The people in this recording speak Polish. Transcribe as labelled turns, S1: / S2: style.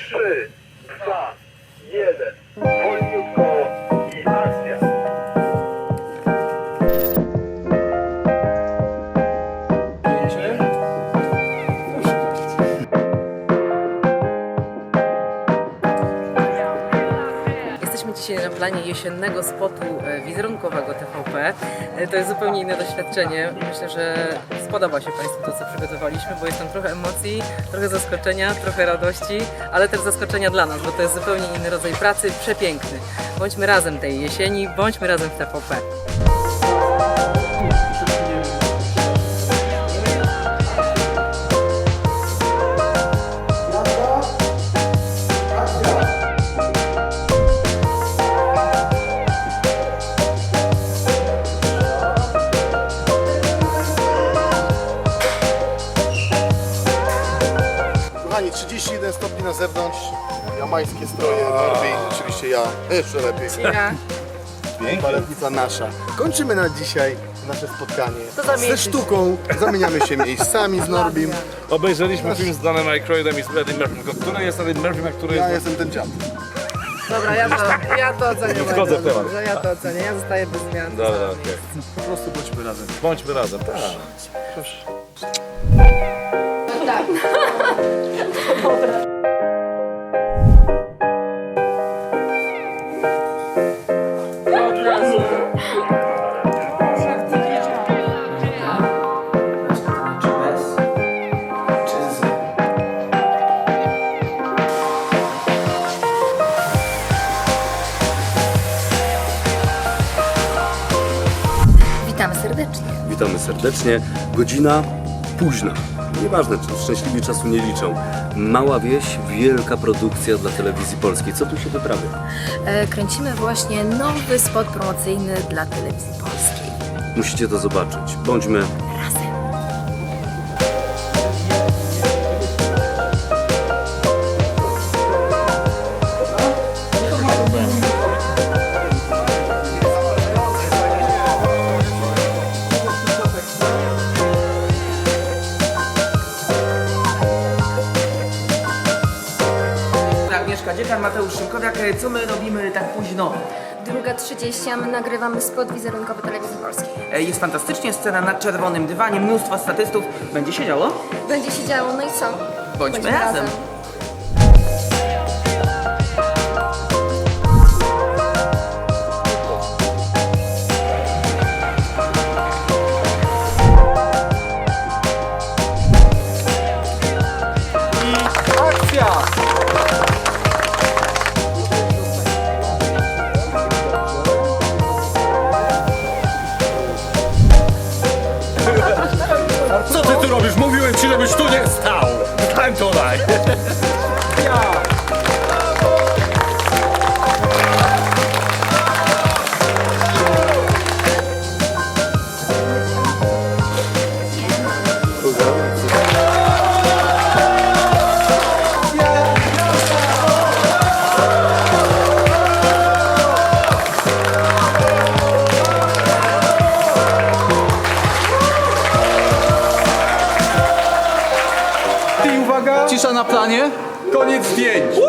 S1: 3, 2, 1. Wolniutko i akcja.
S2: Jesteśmy dzisiaj na planie jesiennego spotu wizerunkowego TVP. To jest zupełnie inne doświadczenie. Myślę, że spodoba się Państwu to, co przygotowaliśmy, bo jest tam trochę emocji, trochę zaskoczenia, trochę radości, ale też zaskoczenia dla nas, bo to jest zupełnie inny rodzaj pracy, przepiękny. Bądźmy razem tej jesieni, bądźmy razem w TVP.
S3: Kochani, 31 stopni na zewnątrz, jamańskie stroje, Norbi, oczywiście ja, jeszcze lepiej. Baletnica nasza. Kończymy na dzisiaj nasze spotkanie ze sztuką, zamieniamy się miejscami z Norbim.
S4: Obejrzeliśmy film z Danem Aykroydem i z Eddie Murphym. Który jest Eddie Murphym, a który
S3: Ja
S4: jest...
S3: jestem ten dziad.
S2: Dobra, ja to ocenię.
S4: Wchodzę w temat.
S2: Ja to ocenię, ja zostaję bez zmian.
S4: Dobra, okej.
S3: Po prostu bądźmy razem.
S4: Bądźmy razem, tak.
S5: Witamy serdecznie.
S6: Witamy serdecznie. Godzina późna. Nieważne, czy szczęśliwi czasu nie liczą. Mała wieś, wielka produkcja dla telewizji polskiej. Co tu się wyprawia?
S5: Kręcimy właśnie nowy spot promocyjny dla telewizji polskiej.
S6: Musicie to zobaczyć. Bądźmy
S5: Razem.
S7: Agnieszka Dziekan, Mateusz Szymkowiak. Co my robimy tak późno?
S5: 2:30, a my nagrywamy spot wizerunkowy telewizji polskiej.
S7: Jest fantastycznie, scena na czerwonym dywanie, mnóstwo statystów. Będzie się działo?
S5: Będzie się działo, no i co?
S7: Bądźmy razem.
S4: Co ty tu robisz? Mówiłem ci, żebyś tu nie stał! Stań tutaj!
S8: Cisza na planie. Koniec zdjęć.